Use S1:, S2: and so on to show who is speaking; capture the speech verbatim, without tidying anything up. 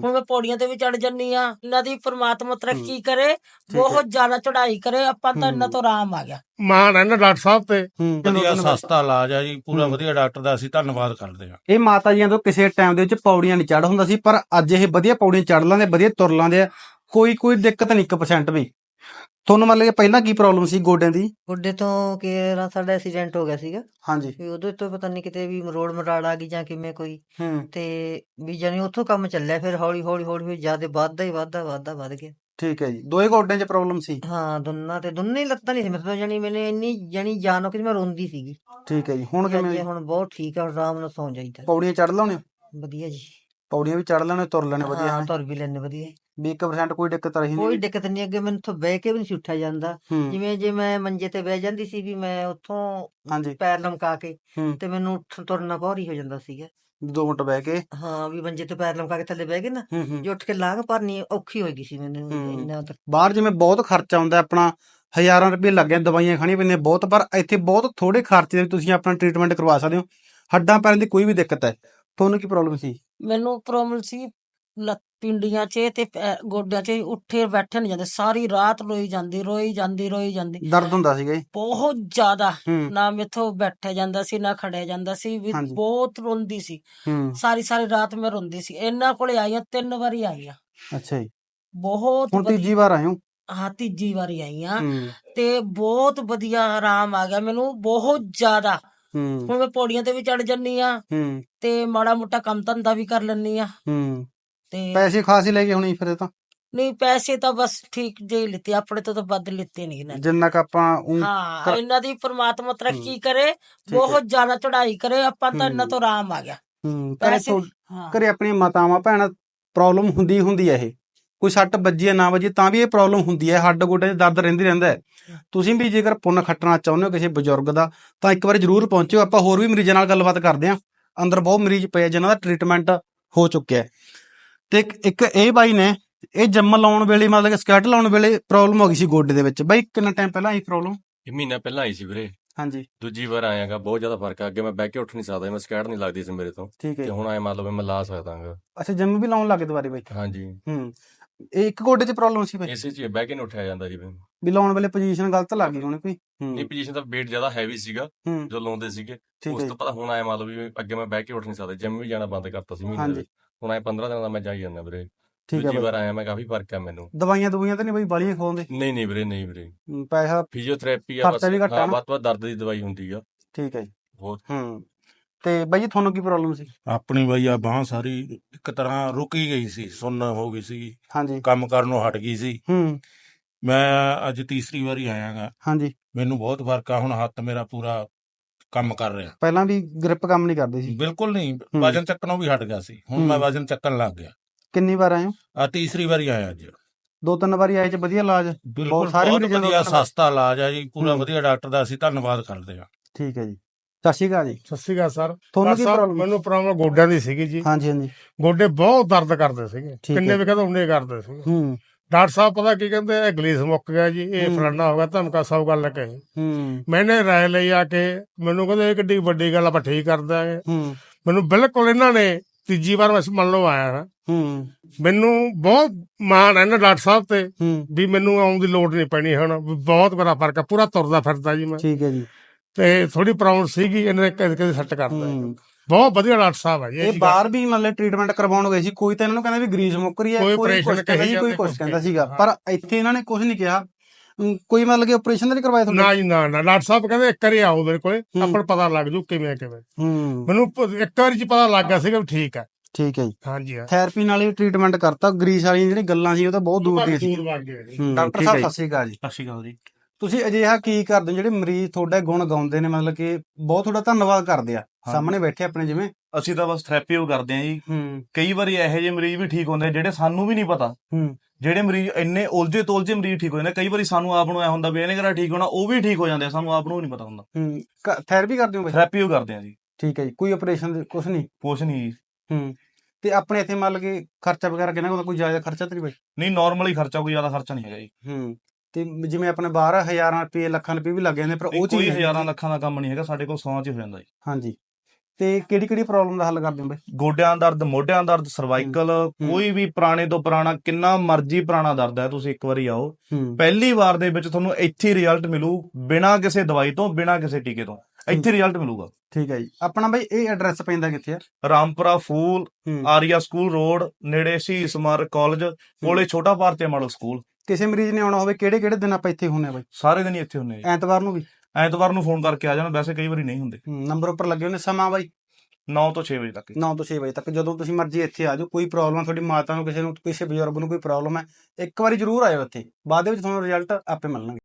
S1: ਹੁਣ ਮੈਂ ਪੌੜੀਆਂ ਤੇ ਵੀ ਚੜ ਜੰਨੀ ਆ। ਇਹਨਾਂ ਦੀ ਪ੍ਰਮਾਤਮਾ
S2: ਹੂੰ,
S1: ਤਰੱਕੀ ਕਰੇ,
S2: ਠੀਕ ਹੈ
S1: ਬਹੁਤ ਜ਼ਿਆਦਾ ਚੜਾਈ ਕਰੇ, ਆਪਾਂ ਤਾਂ ਇਹਨਾਂ
S2: ਹੂੰ
S1: ਤੋਂ ਆਰਾਮ ਆ ਗਿਆ।
S3: ਮਾਣ ਹੈ ਨਾ ਡਾਕਟਰ ਸਾਹਿਬ ਤੇ।
S2: ਹੂੰ
S4: ਵਧੀਆ
S2: ਧੰਨਵਾਦ।
S4: ਸਸਤਾ ਇਲਾਜ ਆ ਜੀ, ਪੂਰਾ
S2: ਹੂੰ
S4: ਵਧੀਆ ਡਾਕਟਰ ਦਾ ਅਸੀਂ ਧੰਨਵਾਦ ਕਰਦੇ ਹਾਂ।
S2: ਇਹ ਮਾਤਾ ਜੀਆਂ ਤੋਂ ਕਿਸੇ ਟਾਈਮ ਦੇ ਵਿੱਚ ਪੌੜੀਆਂ ਨਹੀਂ ਚੜ ਹੁੰਦਾ ਸੀ, ਪਰ ਅੱਜ ਇਹ ਵਧੀਆ ਪੌੜੀਆਂ ਚੜ ਲੈਂਦੇ, ਵਧੀਆ ਤੁਰ ਲੈਂਦੇ ਆ, ਕੋਈ ਕੋਈ ਦਿੱਕਤ ਨਹੀਂ ਇੱਕ ਪਰਸੈਂਟ ਵੀ। ਤੁਹਾਨੂੰ ਮਤਲਬ ਕਿ ਪਹਿਲਾਂ ਕੀ ਪ੍ਰੋਬਲਮ ਸੀ ਗੋਡਿਆਂ ਦੀ?
S5: ਗੋਡੇ ਤੋਂ ਕਿ ਨਾ ਸਾਡਾ ਐਕਸੀਡੈਂਟ ਹੋ ਗਿਆ ਸੀਗਾ,
S2: ਹਾਂਜੀ।
S5: ਵੀ ਉਹਦੇ ਤੋਂ ਪਤਾ ਨਹੀਂ ਕਿਤੇ ਵੀ ਰੋਡ ਮਰਾੜ ਆ ਗਈ ਜਾਂ ਕਿਵੇਂ ਕੋਈ,
S2: ਹੂੰ
S5: ਤੇ ਵੀ ਜਾਨੀ ਉੱਥੋਂ ਕੰਮ ਚੱਲਿਆ, ਫਿਰ ਹੌਲੀ ਹੌਲੀ ਹੌਲੀ ਹੌਲੀ ਜਿਆਦਾ ਵੱਧਦਾ ਹੀ ਵੱਧਦਾ ਵੱਧਦਾ ਵੱਧ ਗਿਆ।
S2: ਠੀਕ ਹੈ ਜੀ, ਦੋਏ ਗੋਡਿਆਂ 'ਚ ਪ੍ਰੋਬਲਮ ਸੀ?
S5: ਹਾਂ, ਦੋਨਾਂ ਤੇ ਦੋਨੇ ਹੀ ਲੱਤਾਂ ਨਹੀਂ ਸੀ ਮਤਲਬ, ਜਾਨੀ ਮੈਨੇ ਇੰਨੀ ਜਾਨੀ ਜਾਨ ਹੋ ਕਿ ਮੈਂ ਰੋਂਦੀ ਸੀਗੀ।
S2: ਠੀਕ ਹੈ ਜੀ, ਹੁਣ
S5: ਤੇ ਅੱਜ
S2: ਕਿਵੇਂ?
S5: ਇਹ ਹੁਣ ਬਹੁਤ ਠੀਕ ਆ, ਹੁਣ ਆਰਾਮ ਨਾਲ ਸੌਂ ਜਾਈਦਾ।
S2: ਪੌੜੀਆਂ ਚੜ ਲਾਉਣੇ?
S5: ਵਧੀਆ ਜੀ,
S2: ਪੌੜੀਆਂ ਵੀ ਚੜ ਲੈਣੇ, ਤੁਰ ਲੈਣੇ ਵਧੀਆ
S5: ਹਾਂ
S2: ਹੈ?
S5: ਤੁਰ ਵੀ ਲੈਣੇ ਵਧੀਆ,
S2: ਵੀ ਇੱਕ ਪਰਸੈਂਟ ਕੋਈ ਦਿੱਕਤ ਰਹੀ
S5: ਕੋਈ
S2: ਨਹੀਂ?
S5: ਦਿੱਕਤ ਨਹੀਂ। ਅੱਗੇ ਮੈਨੂੰ ਉੱਥੋਂ ਬਹਿ ਕੇ ਵੀ ਨਹੀਂ ਸੀ ਉੱਠਿਆ ਜਾਂਦਾ,
S2: ਹੂੰ
S5: ਜਿਵੇਂ ਜੇ ਮੈਂ ਮੰਜੇ ਤੇ ਬਹਿ ਜਾਂਦੀ ਸੀ ਵੀ ਮੈਂ ਉੱਥੋਂ
S2: ਹਾਂਜੀ।
S5: ਪੈਰ ਲਮਕਾ ਕੇ
S2: ਹੂੰ
S5: ਤੇ ਮੈਨੂੰ ਉੱਠ ਤੁਰਨਾ ਭਾਰੀ ਹੋ ਜਾਂਦਾ ਸੀਗਾ।
S2: ਦੋ ਮਿੰਟ ਬਹਿ ਕੇ?
S5: ਹਾਂ, ਵੀ ਮੰਜੇ ਤੇ ਪੈਰ ਲਮਕਾ ਕੇ ਥੱਲੇ ਬਹਿ ਗਏ ਨਾ,
S2: ਹੂੰ ਹੂੰ
S5: ਜੇ ਉੱਠ ਕੇ ਲਾਂਘ ਭਰਨੀ ਔਖੀ ਹੋ ਗਈ ਸੀ ਮੈਨੂੰ
S2: ਹੂੰ
S5: ਇੰਨਾ ਤੱਕ।
S2: ਬਾਹਰ ਜਿਵੇਂ ਬਹੁਤ ਖਰਚਾ ਆਉਂਦਾ ਆਪਣਾ, ਹਜ਼ਾਰਾਂ ਰੁਪਏ ਲੱਗ ਜਾਂਦੇ, ਦਵਾਈਆਂ ਖਾਣੀਆਂ ਪੈਂਦੀਆਂ ਬਹੁਤ, ਪਰ ਇੱਥੇ ਬਹੁਤ ਥੋੜੇ ਖਰਚੇ ਦੇ ਵਿੱਚ ਤੁਸੀਂ ਆਪਣਾ ਟ੍ਰੀਟਮੈਂਟ ਕਰਵਾ ਸਕਦੇ ਹੋ। ਹੱਡਾਂ ਪੈਰਾਂ ਦੀ ਕੋਈ ਵੀ ਦਿੱਕਤ ਹੈ? ਤੁਹਾਨੂੰ ਕੀ ਪ੍ਰੋਬਲਮ ਸੀ?
S1: ਮੈਨੂੰ ਪ੍ਰੋਬਲਮ ਸੀ ਲੱਤ ਪਿੰਡੀਆਂ 'ਚ ਤੇ ਪੈ- ਗੋਡਿਆਂ 'ਚ, ਉੱਠੇ ਬੈਠੇ ਨਹੀਂ ਜਾਂਦੇ, ਸਾਰੀ ਰਾਤ ਰੋਈ ਜਾਂਦੀ ਰੋਈ ਜਾਂਦੀ ਰੋਈ ਜਾਂਦੀ,
S2: ਦਰਦ ਹੁੰਦਾ ਸੀਗਾ ਜੀ?
S1: ਬਹੁਤ ਜ਼ਿਆਦਾ।
S2: ਹੂੰ
S1: ਨਾ ਮੇਥੋਂ ਬੈਠਿਆ ਜਾਂਦਾ ਸੀ ਨਾ ਖੜਿਆ ਜਾਂਦਾ ਸੀ, ਵੀ
S2: ਹਾਂਜੀ।
S1: ਬਹੁਤ ਰੋਂਦੀ ਸੀ,
S2: ਹੂੰ
S1: ਸਾਰੀ ਸਾਰੀ ਰਾਤ ਮੈਂ ਰੋਂਦੀ ਸੀ। ਇਹਨਾਂ ਕੋਲੇ ਆਈਆਂ ਤਿੰਨ ਵਾਰੀ ਆਈਆਂ,
S2: ਅੱਛਾ ਜੀ,
S1: ਬਹੁਤ
S2: ਹੁਣ
S1: ਵਧੀਆ।
S2: ਤੀਜੀ ਵਾਰ ਆਏ ਹੋ?
S1: ਹਾਂ, ਤੀਜੀ ਵਾਰੀ ਆਈਆਂ
S2: ਹੂੰ
S1: ਤੇ ਬਹੁਤ ਵਧੀਆ ਆਰਾਮ ਆ ਗਿਆ ਮੈਨੂੰ, ਬਹੁਤ ਜ਼ਿਆਦਾ।
S2: ਹੂੰ
S1: ਹੁਣ ਮੈਂ ਪੌੜੀਆਂ ਤੇ ਵੀ ਚੜ ਜੰਨੀ ਆ,
S2: ਹੂੰ
S1: ਤੇ ਮਾੜਾ ਮੋਟਾ ਕੰਮ ਧੰਦਾ ਵੀ ਕਰ ਲੈਂਦੀ ਆ।
S2: ਹੂੰ
S1: ਤੇ
S2: ਪੈਸੇ ਖਾਸ ਹੀ ਲੈ ਕੇ ਹੋਣੀ ਫਿਰ ਇਹ ਤਾਂ?
S1: ਨਹੀਂ, ਪੈਸੇ ਤਾਂ ਬਸ ਠੀਕ ਜੇ ਹੀ ਲਿੱਤੇ, ਆਪਣੇ ਤੋਂ ਤਾਂ ਵੱਧ ਲਿੱਤੇ ਨਹੀਂ ਇਹਨਾਂ ਨੇ।
S2: ਜਿੰਨਾ ਕ ਆਪਾਂ ਊਂ
S1: ਹਾਂ,
S2: ਕਰ-
S1: ਇਹਨਾਂ ਦੀ ਪ੍ਰਮਾਤਮਾ
S2: ਹੂੰ
S1: ਤਰੱਕੀ ਕਰੇ,
S2: ਹੈ।
S1: ਬਹੁਤ ਜ਼ਿਆਦਾ ਚੜਾਈ ਕਰੇ, ਆਪਾਂ ਤਾਂ ਇਹਨਾਂ
S2: ਹੂੰ
S1: ਤੋਂ ਆਰਾਮ ਆ ਗਿਆ।
S2: ਹੂੰ ਘਰੇ
S1: ਪੈਸੇ
S2: ਥੋ-
S1: ਹਾਂ
S2: ਘਰੇ ਆਪਣੀਆਂ ਮਾਤਾਵਾਂ ਭੈਣਾਂ ਪ੍ਰੋਬਲਮ ਹੁੰਦੀ ਹੁੰਦੀ ਹੈ, ਇਹ ਕੋਈ ਸੱਟ ਵੱਜੀ ਹੈ ਨਾ ਵੱਜੀ ਤਾਂ ਵੀ ਇਹ ਪ੍ਰੋਬਲਮ ਹੁੰਦੀ ਹੈ, ਹੱਡ ਗੋਡੇ 'ਚ ਦਰਦ ਰਹਿੰਦੀ ਰਹਿੰਦਾ ਹੈ। ਤੁਸੀਂ ਵੀ ਜੇਕਰ ਪੁੰਨ ਖੱਟਣਾ ਚਾਹੁੰਦੇ ਹੋ ਕਿਸੇ ਬਜ਼ੁਰਗ ਦਾ, ਤਾਂ ਇੱਕ ਵਾਰੀ ਜ਼ਰੂਰ ਪਹੁੰਚਿਓ। ਆਪਾਂ ਹੋਰ ਵੀ ਮਰੀਜ਼ਾਂ ਨਾਲ ਗੱਲਬਾਤ ਕਰਦੇ ਹਾਂ, ਅੰਦਰ ਬਹੁਤ ਮਰੀਜ਼ ਪਏ ਜਿਨ੍ਹਾਂ ਦਾ ਟ੍ਰੀਟਮੈਂਟ ਹੋ ਚੁੱਕਿਆ ਹੈ। ਤੇ ਇੱਕ ਇੱਕ ਇਹ ਬਾਈ ਨੇ, ਇਹ ਜੰਮ ਲਾਉਣ ਵੇਲੇ ਮਤਲਬ ਕਿ ਸਕੈਟ ਲਾਉਣ ਵੇਲੇ ਪ੍ਰੋਬਲਮ ਹੋ ਗਈ ਸੀ ਗੋਡੇ ਦੇ ਵਿੱਚ। ਬਾਈ ਕਿੰਨਾ ਟਾਈਮ ਪਹਿਲਾਂ ਆਈ ਪ੍ਰੋਬਲਮ?
S6: ਇਹ ਮਹੀਨਾ ਪਹਿਲਾਂ ਆਈ ਸੀ ਵੀਰੇ,
S2: ਹਾਂਜੀ।
S6: ਦੂਜੀ ਵਾਰ ਆਇਆਗਾ, ਬਹੁਤ ਜ਼ਿਆਦਾ ਫਰਕ ਆ। ਅੱਗੇ ਮੈਂ ਬਹਿ ਕੇ ਉੱਠ ਨਹੀਂ ਸਕਦਾ, ਮੈਂ ਸਕੈਟ ਨਹੀਂ ਲੱਗਦੀ ਸੀ ਮੇਰੇ ਤੋਂ,
S2: ਠੀਕ ਹੈ
S6: ਤੇ
S2: ਜੀ।
S6: ਹੁਣ ਆਏ ਮਤਲਬ ਮੈਂ ਲਾ ਸਕਦਾਗਾ।
S2: ਅੱਛਾ, ਜਿੰਮ ਵੀ ਲਾਉਣ ਲੱਗੇ ਦੁਬਾਰੇ ਬਾਈ?
S6: ਹਾਂਜੀ,
S2: ਹੂੰ ਇਹ ਇੱਕ ਗੋਡੇ 'ਚ ਪ੍ਰੋਬਲਮ ਸੀ ਬਾਈ?
S6: ਇਸੇ ਚ ਹੀ ਬਹਿ ਕੇ ਨਹੀਂ ਉੱਠਿਆ ਜਾਂਦਾ ਜੀ।
S2: ਵੀ ਲਾਉਣ ਵੇਲੇ ਪੋਜੀਸ਼ਨ ਗਲਤ ਲੱਗ ਗਈ ਹੋਣੀ ਕੋਈ?
S6: ਨਹੀਂ,
S2: ਹੂੰ
S6: ਪੋਜੀਸ਼ਨ ਦਾ weight ਜ਼ਿਆਦਾ ਹੈਵੀ ਸੀਗਾ
S2: ਹੂੰ
S6: ਜੋ ਲਾਉਂਦੇ ਸੀਗੇ,
S2: ਠੀਕ
S6: ਉਸ
S2: ਹੈ
S6: ਤੋਂ
S2: ਜੀ।
S6: ਪਤਾ ਹੁਣ ਆਇਆ ਮਤਲਬ ਵੀ ਅੱਗੇ ਮੈਂ ਬਹਿ ਕੇ ਉੱਠ ਨਹੀਂ ਸਕਦਾ, ਜਿੰਮ ਵੀ ਜਾਣਾ ਬੰਦ ਕਰਤਾ ਸੀ ਮਹੀਨੇ ਦੇ
S2: ਹਾਂਜੀ
S6: ਵਿੱਚ। ਹੁਣ ਆਏ ਪੰਦਰਾਂ ਦਿਨਾਂ ਦਾ ਮੈਂ ਜਾਈ ਜਾਂਦਾ ਵੀਰੇ।
S2: ਠੀਕ ਹੈ
S6: ਦੂਜੀ
S2: ਬਾਈ।
S6: ਵਾਰ ਆਇਆ ਮੈਂ, ਕਾਫੀ ਫਰਕ ਆ ਮੈਨੂੰ।
S2: ਦਵਾਈਆਂ ਦਵਾਈਆਂ ਤਾਂ ਨਹੀਂ ਬਾਈ ਬਾਲੀਆਂ ਖਵਾਉਂਦੇ?
S6: ਨਹੀਂ ਨਹੀਂ ਵੀਰੇ, ਨਹੀਂ ਵੀਰੇ,
S2: ਹੂੰ, ਪੈਸਾ
S6: ਫਿਜ਼ੀਓਥੈਰੇਪੀ ਆ ਬਸ।
S2: ਖਰਚਾ ਵੀ ਘੱਟ ਆ
S6: ਹਾਂ,
S2: ਨਾ?
S6: ਵੱਧ ਤੋਂ ਵੱਧ ਦਰਦ ਦੀ ਦਵਾਈ ਹੁੰਦੀ ਆ
S2: ਠੀਕ ਹੈ ਜੀ।
S6: ਬਹੁਤ।
S2: ਹੂੰ ਤੇ ਬਾਈ ਜੀ ਤੁਹਾਨੂੰ ਕੀ ਪ੍ਰੋਬਲਮ ਸੀ?
S4: ਆਪਣੀ ਬਈ ਆ ਬਾਂਹ ਸਾਰੀ ਇੱਕ ਤਰ੍ਹਾਂ ਰੁਕੀ ਗਈ ਸੀ, ਸੁੰਨ ਹੋ ਗਈ ਸੀ,
S2: ਹਾਂਜੀ।
S4: ਕੰਮ ਕਰਨੋਂ ਹਟ ਗਈ ਸੀ।
S2: ਹੂੰ
S4: ਮੈਂ ਅੱਜ ਤੀਸਰੀ ਵਾਰੀ ਆਇਆਗਾ,
S2: ਹਾਂਜੀ।
S4: ਮੈਨੂੰ ਬਹੁਤ ਫਰਕ ਆ। ਹੁਣ ਹੱਥ ਮੇਰਾ ਪੂਰਾ ਕੰਮ ਕਰ ਰਿਹਾ,
S2: ਪਹਿਲਾਂ ਵੀ ਗ੍ਰਿਪ ਕੰਮ ਨਹੀਂ ਕਰਦੀ ਸੀ?
S4: ਬਿਲਕੁਲ ਨਹੀਂ,
S2: ਹੂੰ
S4: ਵਜਨ ਚੱਕਣੋਂ ਵੀ ਹਟ ਗਿਆ ਸੀ, ਹੁਣ
S2: ਹੂੰ
S4: ਮੈਂ ਵਜਨ ਚੱਕਣ ਲੱਗ ਗਿਆ।
S2: ਕਿੰਨੀ ਵਾਰ ਆਏ ਹੋ?
S4: ਆ ਤੀਸਰੀ ਵਾਰੀ ਆਇਆ ਅੱਜ।
S2: ਦੋ ਤਿੰਨ ਵਾਰੀ ਆਏ ਚ ਵਧੀਆ ਇਲਾਜ?
S4: ਬਿਲਕੁਲ
S2: ਸਾਰੇ
S4: ਬਹੁਤ
S2: ਮਰੀਜ਼ਾਂ ਦਾ
S4: ਵਧੀਆ
S2: ਧੰਨਵਾਦ।
S4: ਸਸਤਾ ਇਲਾਜ ਆ ਜੀ, ਪੂਰਾ
S2: ਹੂੰ।
S4: ਵਧੀਆ ਡਾਕਟਰ ਦਾ ਅਸੀਂ ਧੰਨਵਾਦ ਕਰਦੇ ਹਾਂ।
S2: ਠੀਕ ਹੈ ਜੀ, ਸਤਿ ਸ਼੍ਰੀ ਅਕਾਲ ਜੀ।
S3: ਸਤਿ ਸ਼੍ਰੀ ਅਕਾਲ ਸਰ।
S2: ਤੁਹਾਨੂੰ
S3: ਬਸ
S2: ਕੀ
S3: ਸਰ,
S2: ਪ੍ਰੋਬਲਮ?
S3: ਮੈਨੂੰ ਪ੍ਰੋਬਲਮ ਗੋਡਿਆਂ ਦੀ ਸੀਗੀ ਜੀ।
S2: ਹਾਂਜੀ ਹਾਂਜੀ।
S3: ਗੋਡੇ ਬਹੁਤ ਦਰਦ ਕਰਦੇ ਸੀਗੇ,
S2: ਠੀਕ
S3: ਕਿੰਨੇ
S2: ਹੈ।
S3: ਵੀ ਕਹਿੰਦੇ ਉਨੇ ਕਰਦੇ ਸੀਗੇ।
S2: ਹੂੰ
S3: ਡਾਕਟਰ ਸਾਹਿਬ ਪਤਾ ਕੀ ਕਹਿੰਦੇ, ਇਹ ਗਲੀਸ ਮੁੱਕ ਗਿਆ ਜੀ, ਇਹ
S2: ਹੂੰ।
S3: ਫਲਾਨਾ ਹੋ ਗਿਆ, ਧਮਕਾ ਸਭ ਗੱਲ ਕਹੀ।
S2: ਹੂੰ
S3: ਮੈਨੇ ਰਾਏ ਲਈ ਆ ਕੇ, ਮੈਨੂੰ ਕਹਿੰਦੇ ਇਹ ਕਿੱਡੀ ਵੱਡੀ ਗੱਲ, ਆਪਾਂ ਠੀਕ ਕਰ ਦਾਂਗੇ।
S2: ਹੂੰ
S3: ਮੈਨੂੰ ਬਿਲਕੁਲ ਇਹਨਾਂ ਨੇ ਤੀਜੀ ਵਾਰ ਮੈਂ ਮੰਨ ਲਓ ਆਇਆ ਹਾਂ,
S2: ਹੂੰ
S3: ਮੈਨੂੰ ਬਹੁਤ ਮਾਣ ਹੈ ਨਾ ਡਾਕਟਰ ਸਾਹਿਬ ਤੇ,
S2: ਹੂੰ
S3: ਵੀ ਮੈਨੂੰ ਆਉਣ ਦੀ ਲੋੜ ਨਹੀਂ ਪੈਣੀ ਹੁਣ, ਵੀ ਬਹੁਤ ਬੜਾ ਫਰਕ ਆ, ਪੂਰਾ ਤੁਰਦਾ ਫਿਰਦਾ ਜੀ ਮੈਂ।
S2: ਠੀਕ ਹੈ ਜੀ।
S3: ਤੇ ਥੋੜੀ ਪ੍ਰੋਬਲਮ ਸੀਗੀ, ਇਹਨੇ ਕਦੇ ਕਦੇ ਸੈੱਟ ਕਰਦਾ।
S2: ਹੂੰ
S3: ਬਹੁਤ ਵਧੀਆ ਡਾਕਟਰ ਸਾਹਿਬ ਆ ਜੀ।
S2: ਇਹ ਬਾਹਰ ਵੀ ਮਤਲਬ ਟ੍ਰੀਟਮੈਂਟ ਕਰਵਾਉਣ ਗਏ ਸੀ, ਕੋਈ ਤਾਂ ਇਹਨਾਂ ਨੂੰ ਕਹਿੰਦਾ ਵੀ ਗਰੀਸ ਮੁੱਕ ਰਹੀ ਹੈ,
S3: ਕੋਈ
S2: ਕੋਈ
S3: operation
S2: ਕੁਛ ਕਹਿੰਦਾ
S3: ਕਹੀ
S2: ਸੀ, ਕੋਈ
S3: ਜਾਂਦੇ,
S2: ਕੁਛ
S3: ਕੁਛ
S2: ਕਹਿੰਦਾ
S3: ਕਹੀ
S2: ਸੀਗਾ,
S3: ਹਾਂ।
S2: ਪਰ ਇੱਥੇ ਇਹਨਾਂ ਨੇ ਕੁਝ ਨਹੀਂ ਕਿਹਾ। ਅਮ, ਕੋਈ ਮਤਲਬ ਕਿ ਆਪਰੇਸ਼ਨ ਤਾਂ ਨਹੀਂ ਕਰਵਾਇਆ ਤੁਹਾਡੇ?
S3: ਨਾ ਜੀ ਨਾ ਨਾ, ਡਾਕਟਰ ਸਾਹਿਬ ਕਹਿੰਦੇ ਇੱਕ ਵਾਰੀ ਆਓ ਮੇਰੇ ਕੋਲੇ,
S2: ਹੂੰ।
S3: ਆਪਾਂ ਨੂੰ ਪਤਾ ਲੱਗ ਜੂ ਕਿਵੇਂ ਕਿਵੇਂ।
S2: ਹੂੰ
S3: ਮੈਨੂੰ ਪ- ਇੱਕ ਵਾਰੀ ਚ ਪਤਾ ਲੱਗ ਗਿਆ ਸੀਗਾ ਵੀ ਠੀਕ ਹੈ।
S2: ਠੀਕ ਹੈ ਜੀ।
S3: ਹਾਂਜੀ ਹਾਂ,
S2: ਥੈਰੇਪੀ ਨਾਲ ਹੀ ਟ੍ਰੀਟਮੈਂਟ ਕਰਤਾ, ਗਰੀਸ ਵਾਲੀਆਂ ਜਿਹੜੀਆਂ ਗੱਲਾਂ ਸੀ ਉਹ ਤਾਂ ਬਹੁਤ ਦੂਰ ਦੀਆਂ ਸੀ।
S3: ਦੂਰ ਵਗ ਗਏ ਜੀ।
S2: ਹੂੰ,
S4: ਡਾਕਟਰ
S2: ਠੀਕ
S4: ਸਾਹਿਬ
S2: ਹੈ
S4: ਸਤਿ ਸ਼੍ਰੀ ਅਕਾਲ ਜੀ।
S2: ਸਤਿ ਸ਼੍ਰੀ ਅਕਾਲ ਜੀ। ਤੁਸੀਂ ਅਜਿਹਾ ਕੀ ਕਰਦੇ ਹੋ ਜਿਹੜੇ ਮਰੀਜ਼ ਤੁਹਾਡੇ ਗੁਣ ਗਾਉਂਦੇ ਨੇ, ਮਤਲਬ ਕਿ ਬਹੁਤ ਤੁਹਾਡਾ ਧੰਨਵਾਦ ਕਰਦੇ ਆ, ਸਾਹਮਣੇ ਬੈਠੇ ਆਪਣੇ ਜਿਵੇਂ?
S7: ਅਸੀਂ ਤਾਂ ਬਸ ਥੈਰੇਪੀ ਉਹ ਕਰਦੇ ਆਂ ਜੀ।
S2: ਹੂੰ
S7: ਕਈ ਵਾਰੀ ਇਹੋ ਜਿਹੇ ਮਰੀਜ਼ ਵੀ ਠੀਕ ਹੁੰਦੇ ਜਿਹੜੇ ਸਾਨੂੰ ਵੀ ਨਹੀਂ ਪਤਾ,
S2: ਹੂੰ
S7: ਜਿਹੜੇ ਮਰੀਜ਼ ਇੰਨੇ ਉਲਝੇ ਤੋਲਝੇ ਮਰੀਜ਼ ਠੀਕ ਹੋ ਜਾਂਦੇ। ਕਈ ਵਾਰੀ ਸਾਨੂੰ ਆਪ ਨੂੰ ਐ ਹੁੰਦਾ ਵੀ ਇਹਨੇ ਕਿਹੜਾ ਠੀਕ ਹੋਣਾ, ਉਹ ਵੀ ਠੀਕ ਹੋ ਜਾਂਦੇ ਆ, ਸਾਨੂੰ ਆਪ ਨੂੰ ਵੀ ਨਹੀਂ ਪਤਾ ਹੁੰਦਾ।
S2: ਹੂੰ ਥੈਰੇਪੀ ਕਰਦੇ ਹੋ ਬਈ?
S7: ਥੈਰੇਪੀ ਉਹ ਕਰਦੇ ਆਂ ਜੀ।
S2: ਠੀਕ ਹੈ ਜੀ। ਕੋਈ ਆਪਰੇਸ਼ਨ ਕੁਛ ਨਹੀਂ?
S7: ਕੁਛ ਨਹੀਂ ਜੀ।
S2: ਹੂੰ ਤੇ ਆਪਣੇ ਇੱਥੇ ਮੰਨ ਲਓ ਕਿ ਖਰਚਾ ਵਗੈਰਾ ਕਿੰਨਾ ਕੁ, ਕੋਈ ਜ਼ਿਆਦਾ ਖਰਚਾ ਤਾਂ ਨਹੀਂ ਬਈ?
S7: ਨਹੀਂ, ਨਾਰਮਲੀ ਖਰਚਾ, ਕੋਈ ਜ਼ਿਆਦਾ ਖਰਚਾ ਨਹੀਂ ਹੈਗਾ ਜੀ।
S2: ਹੂੰ ਤੇ ਜਿਵੇਂ ਆਪਣੇ ਬਾਹਰ ਹਜ਼ਾਰਾਂ ਰੁਪਏ ਲੱਖਾਂ ਰੁਪਏ ਵੀ ਲੱਗ ਜਾਂਦੇ, ਪਰ ਉਹ
S7: ਕੋਈ
S2: ਚੀਜ਼ ਨਹੀਂ
S7: ਹਜ਼ਾਰਾਂ
S2: ਹੈਗੀ।
S7: ਲੱਖਾਂ ਦਾ ਕੰਮ ਨਹੀਂ ਹੈਗਾ, ਸਾਡੇ ਕੋਲ ਸੌ ਚ ਹੋ ਜਾਂਦਾ ਜੀ।
S2: ਹਾਂਜੀ ਤੇ ਕਿਹੜੀ ਕਿਹੜੀ ਪ੍ਰੋਬਲਮ ਦਾ ਹੱਲ ਕਰਦੇ ਹੋ ਬਈ?
S7: ਗੋਡਿਆਂ ਦਰਦ, ਮੋਢਿਆਂ ਦਰਦ, ਸਰਵਾਈਕਲ, ਕੋਈ ਵੀ ਪੁਰਾਣੇ ਤੋਂ ਪੁਰਾਣਾ ਕਿੰਨਾ ਮਰਜ਼ੀ ਪੁਰਾਣਾ ਦਰਦ ਹੈ, ਤੁਸੀਂ ਇੱਕ ਵਾਰੀ ਆਓ,
S2: ਹੂੰ
S7: ਪਹਿਲੀ ਵਾਰ ਦੇ ਵਿੱਚ ਤੁਹਾਨੂੰ ਇੱਥੇ ਰਿਜ਼ਲਟ ਮਿਲੂ, ਬਿਨਾਂ ਕਿਸੇ ਦਵਾਈ ਤੋਂ, ਬਿਨਾਂ ਕਿਸੇ ਟੀਕੇ ਤੋਂ ਇੱਥੇ ਰਿਜ਼ਲਟ ਮਿਲੂਗਾ।
S2: ਠੀਕ ਹੈ ਜੀ। ਆਪਣਾ ਬਈ ਇਹ ਐਡਰੈਸ ਪੈਂਦਾ ਕਿੱਥੇ ਆ?
S7: ਰਾਮਪੁਰਾ ਫੂਲ,
S2: ਹੂੰ।
S7: ਆਰੀਆ ਸਕੂਲ ਰੋਡ ਨੇੜੇ ਸ਼ਹੀਦ ਸਮਾਰਕ ਕਾਲਜ ਕੋਲੇ ਛੋਟਾ ਭਾਰਤੀ ਮਾਡਲ ਸਕੂਲ।
S2: ਕਿਸੇ ਮਰੀਜ਼ ਨੇ ਆਉਣਾ ਹੋਵੇ ਕਿਹੜੇ ਕਿਹੜੇ ਦਿਨ ਆਪਾਂ ਇੱਥੇ ਹੁੰਨੇ ਆ ਬਈ?
S7: ਸਾਰੇ ਦਿਨ ਹੀ ਇੱਥੇ ਹੁੰਦੇ ਆ ਜੀ।
S2: ਐਤਵਾਰ ਨੂੰ ਵੀ?
S7: ਐਤਵਾਰ ਨੂੰ ਫੋਨ ਕਰਕੇ ਆ ਜਾਣਾ, ਵੈਸੇ ਕਈ ਵਾਰੀ ਨਹੀਂ ਹੁੰਦੇ।
S2: ਹੂੰ, ਨੰਬਰ ਉੱਪਰ ਲੱਗੇ ਹੁੰਦੇ। ਸਮਾਂ ਬਾਈ?
S7: ਨੌ ਤੋਂ ਛੇ ਵਜੇ ਤੱਕ।
S2: ਨੌ ਤੋਂ ਛੇ ਵਜੇ ਤੱਕ ਜਦੋਂ ਤੁਸੀਂ ਮਰਜ਼ੀ ਇੱਥੇ ਆ ਜਾਓ। ਕੋਈ ਪ੍ਰੋਬਲਮ ਤੁਹਾਡੀ ਮਾਤਾ ਨੂੰ, ਕਿਸੇ ਨੂੰ, ਕਿਸੇ ਬਜ਼ੁਰਗ ਨੂੰ ਕੋਈ ਪ੍ਰੋਬਲਮ ਹੈ, ਇੱਕ ਵਾਰੀ ਜ਼ਰੂਰ ਆਇਓ ਇੱਥੇ, ਬਾਅਦ ਦੇ ਵਿੱਚ ਤੁਹਾਨੂੰ ਰਿਜ਼ਲਟ ਆਪੇ ਮਿਲਣਗੇ।